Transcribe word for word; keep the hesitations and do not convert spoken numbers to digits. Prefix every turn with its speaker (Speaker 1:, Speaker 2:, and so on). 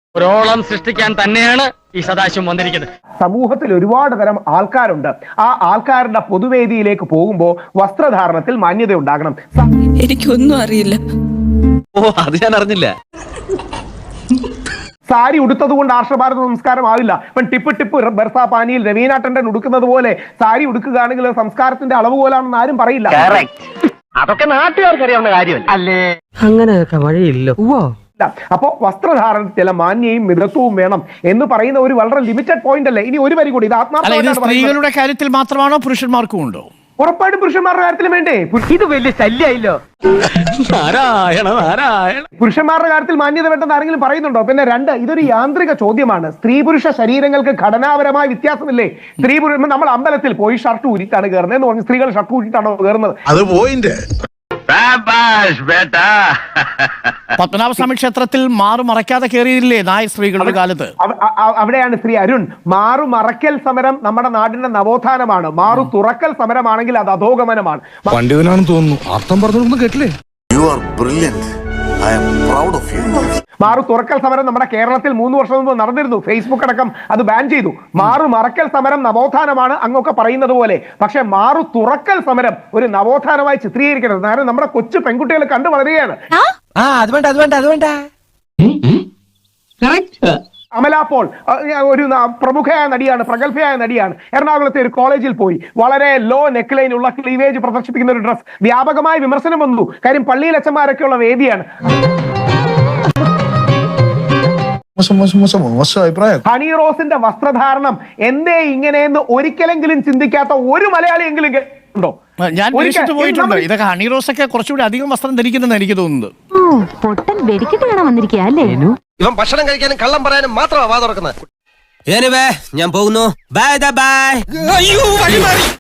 Speaker 1: ഒരോളം സൃഷ്ടിക്കാൻ തന്നെയാണ് ഈ സദാശിവം വന്നിരിക്കുന്നത്.
Speaker 2: സമൂഹത്തിൽ ഒരുപാട് തരം ആൾക്കാരുണ്ട്. ആ ആൾക്കാരുടെ പൊതുവേദിയിലേക്ക് പോകുമ്പോൾ വസ്ത്രധാരണത്തിൽ മാന്യത ഉണ്ടാകണം.
Speaker 3: എനിക്കൊന്നും അറിയില്ല.
Speaker 4: ഓ, അത് ഞാൻ അറിഞ്ഞില്ല.
Speaker 2: സാരി ഉടുത്തത് കൊണ്ട് ആർഷഭാരത സംസ്കാരം ആവില്ല. ഇപ്പം ടിപ്പ് ടിപ്പ് ബർസാ പാനിയിൽ രവീന ടണ്ടൻ ഉടുക്കുന്നത് പോലെ സാരി ഉടുക്കുകയാണെങ്കിൽ സംസ്കാരത്തിന്റെ അളവ് പോലാണെന്ന് ആരും പറയില്ല.
Speaker 1: അതൊക്കെ നാട്ടുകാർക്ക് അറിയാവുന്ന കാര്യമല്ല അല്ലേ?
Speaker 5: അങ്ങനെയൊക്കെ വഴിയില്ലോ.
Speaker 2: അപ്പോ വസ്ത്രധാരണത്തിൽ ചില മാന്യയും മിതത്വവും വേണം എന്ന് പറയുന്ന ഒരു വളരെ ലിമിറ്റഡ് പോയിന്റ് അല്ലേ? ഇനി ഒരു വരി കൂടി, ഇത് ആത്മാർത്ഥ
Speaker 6: സ്ത്രീകളുടെ കാര്യത്തിൽ മാത്രമാണോ പുരുഷന്മാർക്കും ഉണ്ടോ?
Speaker 2: ഉറപ്പായിട്ടും പുരുഷന്മാരുടെ കാര്യത്തിലും വേണ്ടേ?
Speaker 1: ഇത് വലിയ ശല്യായില്ലോ. നാരായണ നാരായണ.
Speaker 2: പുരുഷന്മാരുടെ കാര്യത്തിൽ മാന്യത വേണ്ടെന്ന് ആരെങ്കിലും പറയുന്നുണ്ടോ? പിന്നെ രണ്ട്, ഇതൊരു യാന്ത്രിക ചോദ്യമാണ്. സ്ത്രീ പുരുഷ ശരീരങ്ങൾക്ക് ഘടനാപരമായ വ്യത്യാസമില്ലേ? സ്ത്രീ പുരുഷ നമ്മൾ അമ്പലത്തിൽ പോയി ഷർട്ട് ഊരിട്ടാണ് കയറുന്നത് എന്ന് പറഞ്ഞ് സ്ത്രീകൾ ഷർട്ട് ഊരിട്ടാണോ കയറുന്നത്?
Speaker 7: അത് പോയിന്റ്.
Speaker 6: പത്മനാഭസ്വാമി ക്ഷേത്രത്തിൽ മാറു മറയ്ക്കാതെ കയറിയില്ലേ നായ സ്ത്രീകളുടെ കാലത്ത്?
Speaker 2: അവിടെയാണ് ശ്രീ അരുൺ, മാറു മറയ്ക്കൽ സമരം നമ്മുടെ നാടിന്റെ നവോത്ഥാനമാണ്. മാറു തുറക്കൽ സമരമാണെങ്കിൽ അത് അധോഗമനമാണ്.
Speaker 7: പണ്ഡിതനാണെന്ന് തോന്നുന്നു. അർത്ഥം പറഞ്ഞൊന്നും കേട്ടില്ലേ?
Speaker 8: You are brilliant. I am proud of you.
Speaker 2: മാറു തുറക്കൽ സമരം നമ്മുടെ കേരളത്തിൽ മൂന്ന് വർഷം മുമ്പ് നടന്നിരുന്നു. ഫേസ്ബുക്ക് അടക്കം അത് ബാൻ ചെയ്തു. മാറു മറക്കൽ സമരം നവോത്ഥാനമാണ് അങ്ങൊക്കെ പറയുന്നത് പോലെ. പക്ഷെ മാറു തുറക്കൽ സമരം ഒരു നവോത്ഥാനമായി ചിത്രീകരിക്കരുത്. കാരണം നമ്മുടെ കൊച്ചു പെൺകുട്ടികൾ കണ്ടു വളരുകയാണ്. അമല പോൾ ഒരു പ്രമുഖയായ നടിയാണ്, പ്രഗത്ഭയായ നടിയാണ്. എറണാകുളത്തെ ഒരു കോളേജിൽ പോയി വളരെ ലോ നെക്ക് ലൈൻ ഉള്ള ക്ലീവേജ് പ്രദർശിപ്പിക്കുന്ന ഒരു ഡ്രസ്. വ്യാപകമായ വിമർശനം വന്നു. കാര്യം പള്ളിയിൽ അച്ഛന്മാരൊക്കെയുള്ള വേദിയാണ്. ഹണി റോസിന്റെ വസ്ത്രധാരണം എന്തേ ഇങ്ങനെയെന്ന് ഒരിക്കലെങ്കിലും ചിന്തിക്കാത്ത ഒരു മലയാളിയെങ്കിലും ഉണ്ടോ?
Speaker 6: ഞാൻ പോയിട്ടുണ്ട്. ഇതൊക്കെ ഹണി റോസ് ഒക്കെ കുറച്ചുകൂടി അധികം വസ്ത്രം ധരിക്കുന്നെന്ന് എനിക്ക് തോന്നുന്നത്.
Speaker 3: പൊട്ടൻ വെടിക്കിട്ട് കാണാൻ വന്നിരിക്കുക അല്ലേ?
Speaker 4: ഇവൻ ഭക്ഷണം കഴിക്കാനും കള്ളം പറയാനും മാത്രമാണ് വാ തുറക്കുന്നത്. ഞാൻ പോകുന്നു. Bye bye. അയ്യോ, വഴി മാറി.